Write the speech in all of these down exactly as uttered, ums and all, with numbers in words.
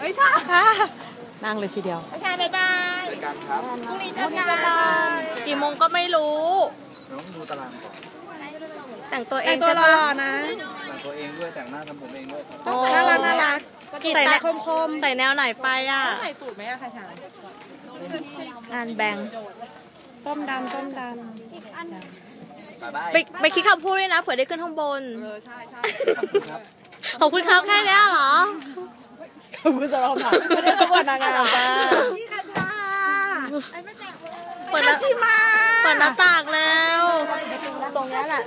ไม่ใช่ค่ะนั่งเลยทีเดียวไม่ใช่บ๊ายบายรายการครับพรุ่งนี้เจอกันกี่โมงก็ไม่รู้น้องดูตารางก่อนแต่งตัวเองใช่ปะนะแต่งตัวเองด้วยแต่งหน้าทำผมเองด้วยน่ารักน่ารักใส่แนวคมๆใส่แนวไหนไปอ่ะใส่สูตรไหมอะค่ะชายงานแบงส้มดำส้มดำไปไปคิดคำพูดด้วยนะเผื่อได้ขึ้นข้างบนเออใช่ใช่ขอบคุณครับแค่นี้เหรอขอบคุณสำหรับคำถามไม่ได้ต้องวันนางงามจ้าพี่คาชาไอ้ไม่แตะเปิดหน้าเปิดหน้าต่างแล้วตรงนี้แหละ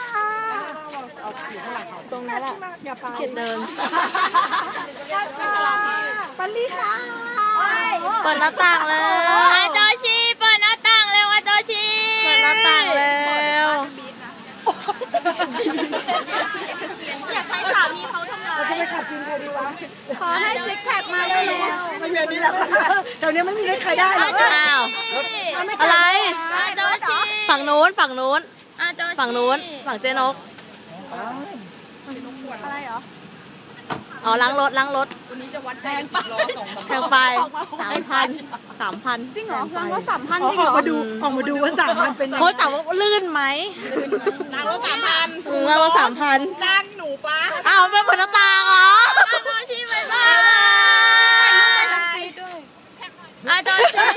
ตรงนี้แหละอย่าไปเดินปัลลี่ค่ะเปิดหน้าต่างแล้วอาโจชิเปิดหน้าต่างเร็วอาโจชิเปิดหน้าต่างแล้วอยากใช้สามีเขาทำไมเราจะไปขับกินใครดีวะขอให้ซิกแพคมาเลยไม่มีนี่แหละเดี๋ยวนี้ไม่มีได้ใครได้หรอกอ้าวอะไรอาโจชิฝั่งนู้นฝั่งนู้นอาโจชิฝั่งนู้นฝั่งเจนกอะไรเหรออ๋อล้างรถล้างรถวันนี้จะวัดแพงปะแพงไปสามพันสามพันจริงเหรอล้างรถสามพันจริงเหรอออกมาดูออกมาดูว่าสามพันเป็นเขาจับว่าลื่นไหมล้างรถสามพันล้างรถสามพันจ้างหนูปะอ้าวเป็นผลตาเหรออาโจชิบายบายอาโจชิ